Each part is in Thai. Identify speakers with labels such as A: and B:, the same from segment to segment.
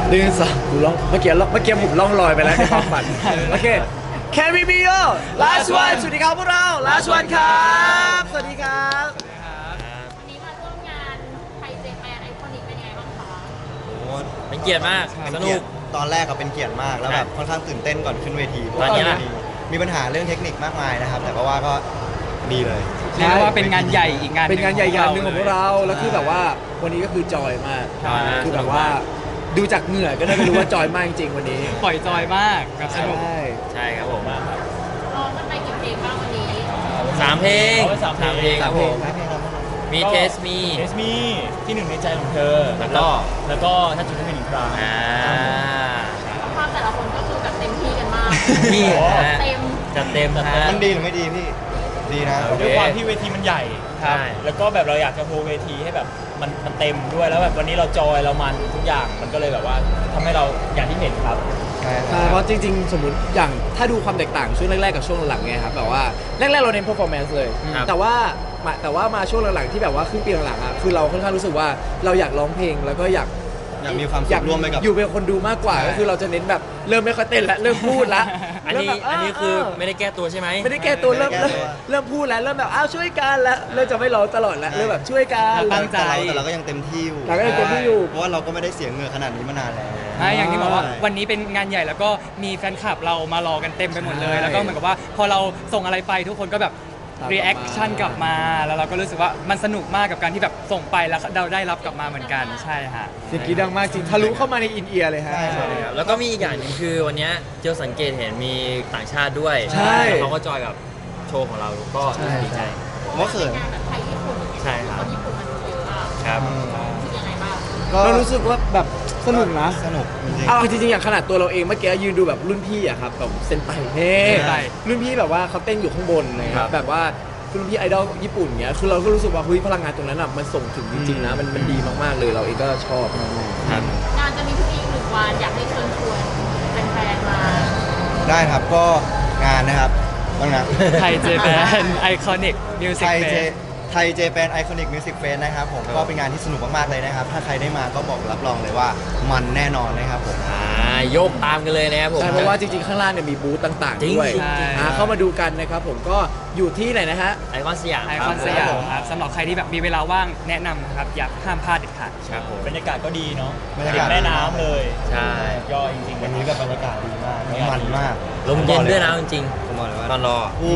A: 1 2กูล่องเมื่อกี้ผมล่องลอยไปแล้วในความฝันโอเค Can we be your last one สวัสดีครับพวกเรา last one ครับสวัสดีครับ
B: วันนี้มาร่วมงานไทยเจแปนไอคอนิกเป็นยังไงบ้างคะ
C: โอ้
D: เป็นเกียรติมาก
C: เป็น
D: ส
C: เกี
D: นุ
C: ยร
D: ก
C: ติตอนแรกก็เป็นเกียรติมากแล้วแบบค่อนข้างตื่นเต้นก่อนขึ้นเวทีเพราะ
D: ตอนนี้
C: ว่า
D: ล่ะ
C: มีปัญหาเรื่องเทคนิคมากมายนะครับ แต่ก็ว่าก็ดีเลย
E: เรียกได้ว่าเป็นงานใหญ่อีกงานห
A: เป็นงานใหญ่ๆหนึ่งของพวกเรา
E: ใช่
A: แล้วคือแบบว่าวันนี้ก็คือจอยมาก
D: จอยมาก
A: คือแบบว่าดูจากเหงื่อก็น่าจะรู้ว่าจอยมากจริงๆวันนี้
E: ปล่อยจอยมากแบบสนุก
A: ใช่
D: ใช่ครับผม
B: ร้องกันไปกี่เพลงบ้างวันนี้
D: 3 เพลง
F: เอาไว้สามเพลง
D: ครับผม มีเทสมี
F: เอสมีที่หนึ่งในใจของเธอ
D: แล้วก็
F: ถ้าจุดที่เป็นอีกครั้ง
D: อ่า
B: ภาพแต่ละคนก็คือแบบเต็มที่กันมาก
D: พี่
B: เต็ม
D: จัดเต็มฮะ
C: มันดีหรือไม่ดีพี่ดีนะ
D: โอเค
F: ด้วยความที่เวทีมันใหญ่
D: ใช่
F: แล้วก็แบบเราอยากจะโฮเวทีให้แบบมันเต็มด้วยแล้วแบบวันนี้เราจอยเรามันทุกอย่างมันก็เลยแบบว่าทำให้เราอย่างที่เห็นครับ
A: ใช่เพราะจริงๆ สมมติอย่างถ้าดูความแตกต่างช่วงแรกๆกับช่วงหลังๆไงครับแบบว่าแรกๆเราเน้น performance เลย
D: ครับ
A: แต่ว่ามาช่วงหลังๆที่แบบว่าครึ่งปีหลังๆอ่ะคือเราค่อนข้างรู้สึกว่าเราอยากร้องเพลงแล้วก็อยาก
C: อยากมีความสุขร่วมไปกับ
A: อยู่เป็นคนดูมากกว่า
C: ใช่
A: ก็คือเราจะเน้นแบบเริ่มไม่ค่อยเต้นแล้วเริ่มพูดแล้ว
D: อันนี้
A: เริ่มแบบ
D: อันนี้คือไม่ได้แก้ตัวใช่ไหม
A: ไม่ได้แก้ตัวเริ่ม
C: ไม่ได้แก้ตัว
A: เริ่มพูดแล้วเริ่มแบบอ้าวช่วยกันแล้วเริ่มจะไม่ร้องตลอดแล้วเริ่มแบบช่วยกัน
E: ตั้งใจ
C: แต่เราก็ยังเต็มที่อยู่
A: เราก็ยังเต็มที่อยู่
C: เพราะว่าเราก็ไม่ได้เสียเหงื่อขนาดนี้มานานแล้ว
E: อย่างที่บอกว่า
C: ใช่
E: วันนี้เป็นงานใหญ่แล้วก็มีแฟนคลับเรามารอกันเต็มไปหมดเลย
A: ใช่
E: แล้วก็เหมือนกับว่าพอเราส่งอะไรไปทุกคนก็แบบ
A: ตามกลับมา
E: รีแอคชั่นกลับมาแล้วเราก็รู้สึกว่ามันสนุกมากกับการที่แบบส่งไปแล้วเราได้รับกลับมาเหมือนกันใช่ฮะ
A: เสียงกรีดดังมากจริงทะลุเข้ามาในอินเอียร์เลยฮะ
C: ใช่ครับ
D: แล้วก็มีอีกอย่างหนึงคือวันเนี้ยเจอสังเกตเห็นมีต่างชาติด้วย
A: ใช่
D: เขาก็จอยกับโชว์ของเราก็
A: ใช่
D: ดีใจ
C: ว่าเขิน
B: งานแบบไทยญี่ปุ่น
D: ใช่ครับ
B: คนญี่ปุ่นมันเยอะอะ
D: ครับ
B: คือยังไงบ้าง
A: เรารู้สึกว่าแบบสนุกนะ
C: สนุกจริง
A: เอาจริงๆอย่างขนาดตัวเราเองเมื่อกี้ยืนดูแบบรุ่นพี่อะครับแบบเซนไตเฮ้
E: เซนไต
A: รุ่นพี่แบบว่าเขาเต้นอยู่ข้างบนนะค
D: ครั
A: รับบ แบบว่ารุ่นพี่ไอดอลญี่ปุ่นเงี้ยคือเราก็รู้สึกว่าเฮ้ยพลังงานตรงนั้นอะมันส่งถึงจริงๆนะมันดีมากๆเลยเราเองก็ชอบมาก
D: ครับ
B: งานจะมีพรุ่งนี้อีก1 วันอยากให้เชิญชวนแฟนๆมา
C: ๆได้ครับก็งานนะครับต้องนะ
E: ไทยเจแปนไอคอนิกมิวสิ
C: ไท
E: ก
C: ย
E: เฟ
C: เจ
E: ส
C: ไทยเจแปนไอคอนิกมิวสิกเฟสนะครับผม
D: ครับ
C: ก็เป็นงานที่สนุกมากๆเลยนะครับ ถ้าใครได้มาก็บอกรับรองเลยว่ามันแน่นอนนะครับผม
D: โยกตามกันเลยนะครับผม
A: ใช่เพราะว่าจริงๆข้างล่างเนี่ยมีบูธต่างๆด้วย
D: จริงๆ
A: เข้ามาดูกันนะครับผมก็อยู่ที่ไหนนะฮะ
D: ไอคอนสยาม
E: ไอคอนสยามครับสำหรับใครที่แบบมีเวลาว่างแนะนำนะครับอย่าห้ามพลาดเด็ดขาด
D: ครับผม
F: บรรยากาศก็ดีเนาะ
C: บรรยากาศ
F: ติดแม่น้ำเลย
D: ใช่
F: ย่อยจริงๆ
C: วันนี้แบบบรรยากาศดีมากแล้วมันมาก
D: ลมเย็นด้วยนะจริง
C: ผมบอกเลย
D: ๆ
C: ว่า
D: ตอนรอ
C: กู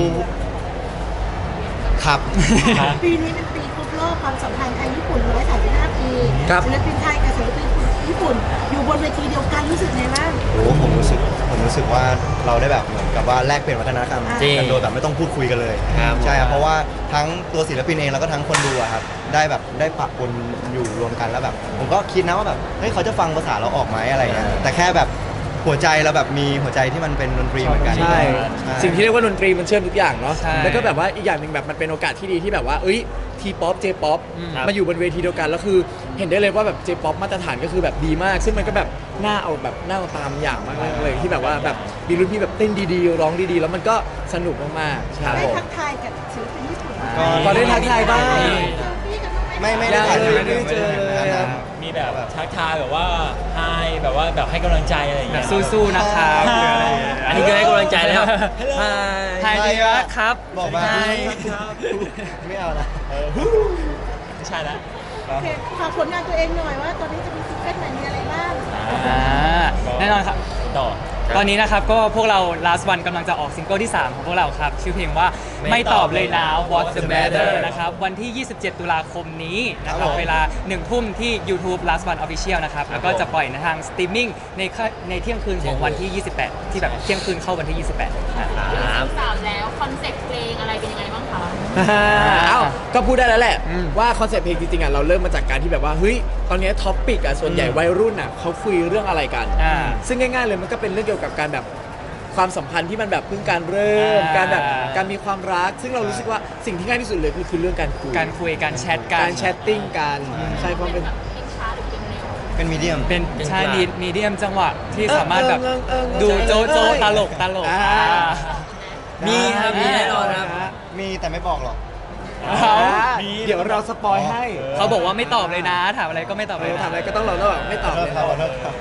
C: ครับ
G: ปีนี้เป็นปีครบรอบความสัมพันธ์ไทยญี่ปุ่น135 ปี
A: ครับ
G: ศิลปินไทยกับศิลปินญี่ปุ่น อยู่บนเวทีเดียวกันรู้สึกไงบ้าง
C: โอ้ผมรู้สึกว่าเราได้แบบเหมือนกับว่าแลกเปลี่ยนวัฒนธรรม
D: จริง
C: กันโดยแบบไม่ต้องพูดคุยกันเลย
D: ครับ
C: ใช่ครับเพราะว่าทั้งตัวศิลปินเองแล้วก็ทั้งคนดูอะครับได้แบบได้ปะปนอยู่รวมกันแล้วแบบ ผมก็คิดนะว่าแบบเฮ้ยเขาจะฟังภาษาเราออกไหมอะไรเงี้ยแต่แค่แบบหัวใจเราแบบมีหัวใจที่มันเป็นดนตรีเหมือนกัน
A: ใช่ สิ่งที่เรียกว่าดนตรีมันเชื่อมทุกอย่างเนาะ
E: ใช่
A: แล้วก็แบบว่าอีกอย่างหนึ่งแบบมันเป็นโอกาสที่ดีที่แบบว่าเอ้ยทีป๊อปเจป๊อป
D: ครับ
A: มาอยู่บนเวทีเดียวกันแล้วคือเห็นได้เลยว่าแบบเจป๊อปมาตรฐานก็คือแบบดีมาก ซึ่งมันก็แบบน่าเอาตามอย่างมากเลยที่แบบว่าแบบมีรุ่นพี่แบบเต้นดีๆร้องดีๆ แล้วมันก็สนุกมากๆใช่
G: ได้ทักทายกับศิลปินญี่ปุ่น
A: ก็ได้ทักทายบ้าง
G: เซลฟี่กันบ้างไหม
C: ไม่ได้ถ่าย
A: ไม่ได้เจอเลยครับ
F: มีแบบทักทายแบบว่าไฮแบบว่าแบบให้กำลังใจอะไรอย่าง
E: แบ
F: เงี้
E: บ
F: ย
E: สู้ๆนะครับหรืออะไรอย่างเงี้ย
D: อันนี้คือให้กำลังใจแล้ว
E: ไทยดีวะครับ
C: บอกมา
E: ไทย
C: ไม่เอานะ
F: ไม่ใช่ละ
G: โอเคฝากผลงานตัวเองหน่อยว่าตอนนี้จะมีซิงเกิลใหม่มีอะไรบ้าง
E: แน่นอนครับ
F: ต่อ
D: ครับ
E: ตอนนี้นะครับก็พวกเรา last one กำลังจะออกซิงเกิลที่ 3 ของพวกเราครับ ชื่อเพลงว่าไม่ตอบเลยนะ What's the matter นะครับวันที่ 27 ตุลาคมนี้นะค
C: ครั
E: รับบ
C: ผม
E: เวลา 1 ทุ่มที่ YouTube last one official นะครับ แล้วก็จะปล่อยในทางสตรีมมิ่งในเที่ยงคืนของวันที่ 28 ที่แบบเที่ยงคืนเข้าวันที่ 28นะ
D: ครับ
B: 3แล้วคอนเซ็ปต์เพลงอะไรเป็นยังไงบ้างคะ
A: เอ้าก็พูดได้แล้วแหละว่าคอนเซ็ปต์เพลงจริงๆอ่ะเราเริ่มมาจากการที่แบบว่าเฮ้ยตอนนี้ท็อปปิกอ่ะส่วนใหญ่วัยรุ่นอ่ะเขาคุยเรื่องอะไรกัน
E: อ่า
A: ซึ่งง่ายๆเลยมันก็เป็นเรื่องเกี่ยวกับการแบบความสัมพันธ์ที่มันแบบเพิ่งการเริ่ม
E: อ่า
A: การแบบการมีความรัก ซึ่งเรารู้สึกว่าสิ่งที่ง่ายที่สุดเลยคือเรื่องการคุย
E: การคุยการแชทกัน
A: การแชทติ้งกันใช่ความเป็น
B: แบบเพลงช้าหรือเพลงเร็ว
C: เป็นมีเดียม
E: เป็น
D: เป็น
E: ชา
D: กลาง
E: มีเดียมจังหวะที่สามารถแบบ
A: เออ
E: ดูโจโจ
A: เออ
E: ตลก
A: อ่า
D: มีครับมีแน่นอนครับ
C: มีแต่ไม่บอกหรอก
E: เขา
A: เดี๋ยวเราสปอยให้
E: เขาบอกว่าไม่ตอบเลยนะ ถามอะไรก็ไม่ตอบเลยนะ
A: ถามอะไรก็ต้องเราแล้วแบบไม่ตอบเลย
C: ขอโทษครับ
B: ต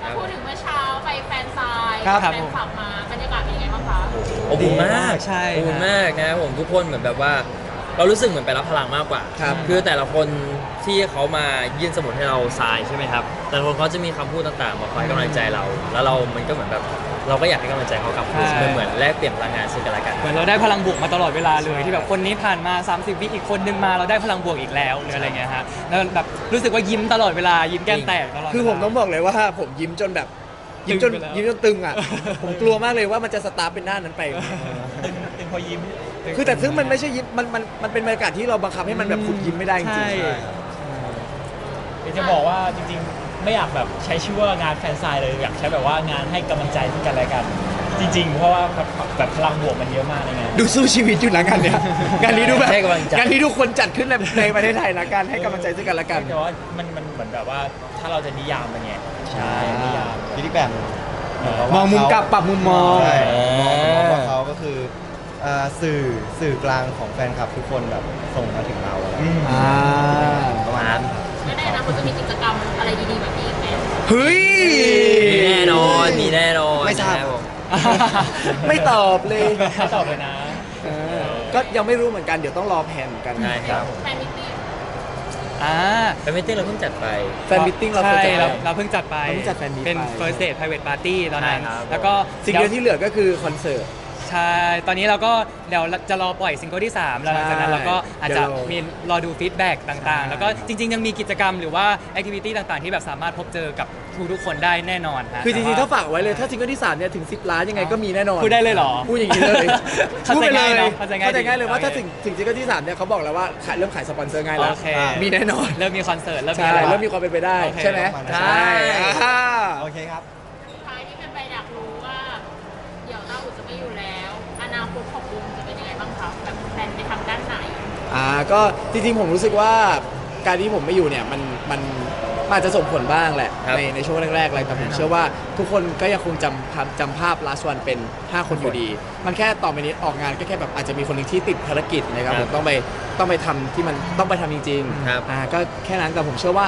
B: พูดถึงเมื่อเช้าไปแฟนซาย
A: ครับ
B: แฟนคลับมาบรรยากาศเป็นยังไงบ้างคะ
D: อบอุ่นมาก
E: ใช่
D: อบอุ่นมากนะครับผมทุกคนเหมือนแบบว่า เรารู้สึกเหมือนไปรับพลังมากกว่า
A: ครับ
D: คือแต่ละคนที่เขามายื่นสมุดให้เราทรายใช่ไหมครับ แต่ละคนเขาจะมีคำพูดต่างๆมาคอยให้กำลังใจเรา แล้วเรา มันก็เหมือนแบบเราก็อยากให้กำลังใจเขากลับคืน
E: ใช่
D: เหมือนแลกเปลี่ยนพลังงานซึ่งกันและกัน
E: เหมือนเราได้พลังบวกมาตลอดเวลาเลยที่แบบคนนี้ผ่านมา 30 วิอีกคนนึงมาเราได้พลังบวกอีกแล้วหรืออะไรเงี้ยฮะแล้วแบบรู้สึกว่ายิ้มตลอดเวลายิ้มแก้มแตกตลอด
A: คือผมต้องบอกเลยว่าผมยิ้มจนแบบยิ้มจน
E: ตึงไปแล้ว
A: ยิ้มจนตึงอ่ะ ผมกลัวมากเลยว่ามันจะสตาร์ทเป็นหน้านั้นไป
F: ตึงพอยิ้ม
A: คือแต่ซึ่งมันไม่ใช่ยิ้มมันเป็นบรรยากาศที่เราบังคับให้มันแบบขุดยิ้มไม่ได้จริง
E: ใช่
A: ๆ
F: เดี๋ยวจะบอกว่าจริงๆ ไม่อยากแบบใช้ชื่อว่างานแฟนไซน์เลยอยากใช้แบบว่างานให้กำลังใจซึ่งกันและกัน จริง ๆ เพราะว่าแบบพลังบวกมันเยอะมากในงาน
A: ดูสู้ชีวิตอยู่นะงานเนี้ยงานนี้ดูแบบ
D: ให้กำลังใจ
A: งานนี้ทุกคนจัดขึ้นในประเทศไทยละกันให้กำลังใจซึ่งกันและกัน
F: แต่ว่ามันเหมือนแบบว่าถ้าเราจะนิยามมันไงใช่นิยาม
C: คิดอีกแบบหนึ่งเหนกับ
A: ม
C: ว่า
A: องมุมกลับปรับมุมมอง
C: ใช่มองว่าเขาก็คือสื่อกลางของแฟนคลับทุกคนแบบส่งมาถึงเราอะไรอย่างเงี้ย
A: อ่า
C: ประมาณนั้น
B: แล้วในอนาคตจะมีกิจกรรมอะไรดีๆแบบนี้อีกไหม
A: เฮ้ย
D: มีแน่นอน มีแน่นอน
C: ไม่ทราบ
D: นะครับผม
A: ไม่ตอบเลย
F: ไม่ตอบเลยนะ
A: เออก็ยังไม่รู้เหมือนกันเดี๋ยวต้องรอแผนกัน
D: ใช่ครับ
B: แฟนมิตติ้ง
E: อ่า
D: แฟนมิตติ้งเราเพิ่งจัดไป
A: แฟนมิทติ้งเรา
E: ใช่
A: จะ
E: เราเพิ่งจัดไป
A: เราเพิ่งจัดแฟนมีต
E: เป็น
A: ไป
E: first date private party ตอนนั้น
D: ใช่ครับ
E: แล้วก็
A: สิ่งเดียวที่เหลือก็คือคอนเสิร์ต
E: ใช่ ตอนนี้เราก็เดี๋ยวจะรอปล่อยซิงเกิลที่ 3 แล้วหลังจากนั้นเราก็อาจจะ
A: เดี๋ยวรอ
E: มีรอดูฟีดแบ็กต่าง
A: ใช่
E: ๆ แล้วก็จริง ๆ ยังมีกิจกรรมหรือว่าแอคทิวิตี้ต่างๆ ที่แบบสามารถพบเจอกับทุกๆคนได้แน่นอนฮะ
A: คือจริงๆ
E: แต่
A: ถ้า
E: ว่
A: ฝากไว้เลยถ้าซิงเกิลที่3เนี่ยถึง10 ล้านยังไงก็มีแน่นอน
E: พูดได้เลยเหรอ
A: พูดอย่างนี้เลย
E: เข้า
A: พูด
E: ใจ
A: ไปเล
E: ง่าย
A: ย
E: เนอะเข้าใจง่าย
A: เข้าใจง่ายเลยว่า
E: โอเค
A: ถ้าถึงซิงเกิลที่3เนี่ยเขาบอกแล้วว่าเริ่มขายสปอนเซอร์ง่ายแล้ว
E: โอเค
A: มีแน่นอน
E: เริ่มมีคอนเสิร์ตเริ่มมี
A: ใช่
E: อะไร
A: เริ่มมีความเป็นไปได้
E: โอเค
A: ใช่ไหม
C: ใช่
A: อ่า
C: โอเคครับ
B: สุดท้ายที่เป็นไปอยากรู้ว่า เดี๋ยวต้าอู่จะไม่อยู่แล้ว อนาคตของวงจะเป็นยังไงบ้างคะแบบแผนไปทางด้านไหน
A: ก็จริงๆผมรู้สึกว่าการที่ผมไม่อยู่เนี่ยมันอาจจะส่งผลบ้างแหละ
D: ครับ
A: ในช่วงแรกๆอะไรแต่ผมเชื่อว่าทุกคนก็ยังคงจำภาพ last one เป็น 5 คนอยู่ดี มันแค่ต่อไปนี้ออกงานก็แค่แบบอาจจะมีคนหนึงที่ติดภารกิจนะครับ
D: ค
A: ผ
D: รับ
A: มต้องไปทำที่มันต้องไปทำจริง
D: ครับ
A: ก็แค่นั้นแต่ผมเชื่อว่า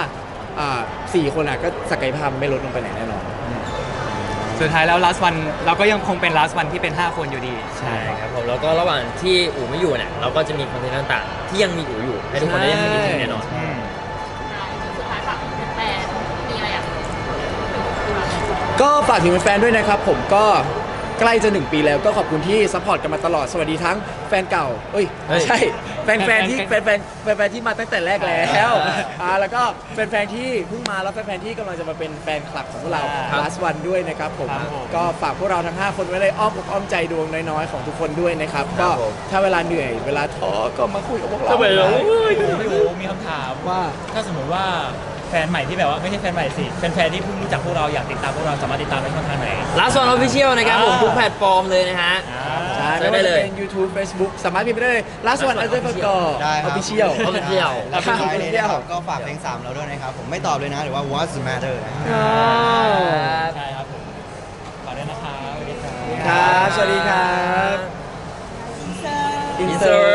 A: 4 คนก็ศักยภาพไม่ลดลงไปไหนแน่นอน
E: สุดท้ายแล้ว last one เราก็ยังคงเป็น last one ที่เป็น 5 คนอยู่ดี
D: ใช่ครับผมแล้วก็ระหว่างที่อู๋ไม่อยู่เนี่ยเราก็จะมีคอนเทนต์ต่างๆ ที่ยังมีอู๋อยู่ให้ทุกคนได้ยังมีแน่นอน
B: สุดท้ายฝากถึงแฟนๆมีอะไรอยาก
A: ก็ฝากถึงแฟนๆด้วยนะครับผมก็ใกล้จะ 1 ปีแล้วก็ขอบคุณที่ซัพพอร์ตกันมาตลอดสวัสดีทั้งแฟนเก่าเอ้ย
D: เฮ้ย
A: ใช่แฟนๆที่แฟนๆที่มาตั้งแต่แรกแล้วแล้วก็แฟนๆที่เพิ่งมาแล้วแฟนๆที่กำลังจะมาเป็นแฟนคลับของพวกเรา
E: ครับ
A: last one ด้วยนะครับผม
E: ครับผม
A: ก็ฝากพวกเราทั้ง 5 คนไว้ในอ้อมอกอ้อมใจดวงน้อยๆของทุกคนด้วยนะครับ
D: ครั
A: ก็
D: บผม
A: ถ้าเวลาเหนื่อยเวลาท้อก็มาคุยกับพวกเรา
F: ไม่รู้มีคำถาม
A: ว่า
F: ถ้าสมมติว่าแฟนใหม่ที่แบบว่าไม่ใช่แฟนใหม่สิแฟนๆที่เพิ่งรู้จักพวกเราอยากติดตามพวกเราสามารถติดตามได้ช่องทางไหน
D: Last One Official นะครับผมทุกแพลตฟอร์มเลยนะฮะ
A: ใช่
D: เซิร์
A: ไม่
D: ชได้
A: ว่า
D: เลย
A: จะเป็น YouTube Facebook สามารถพิมพ์ไปได้เลย last one underscore
C: ได้ครับ
A: official
D: Official
C: แล้วสุดท้ายนี้นะครับก็ฝากเพลง 3 เราด้วยนะครับ ผมไม่ตอบเลยนะ หรือว่า What's the matter นะครับ
F: ใช่ครับผมฝากด้วยนะครับสวัสดีครับ
A: ครับ สวัสดีครับ
D: Insert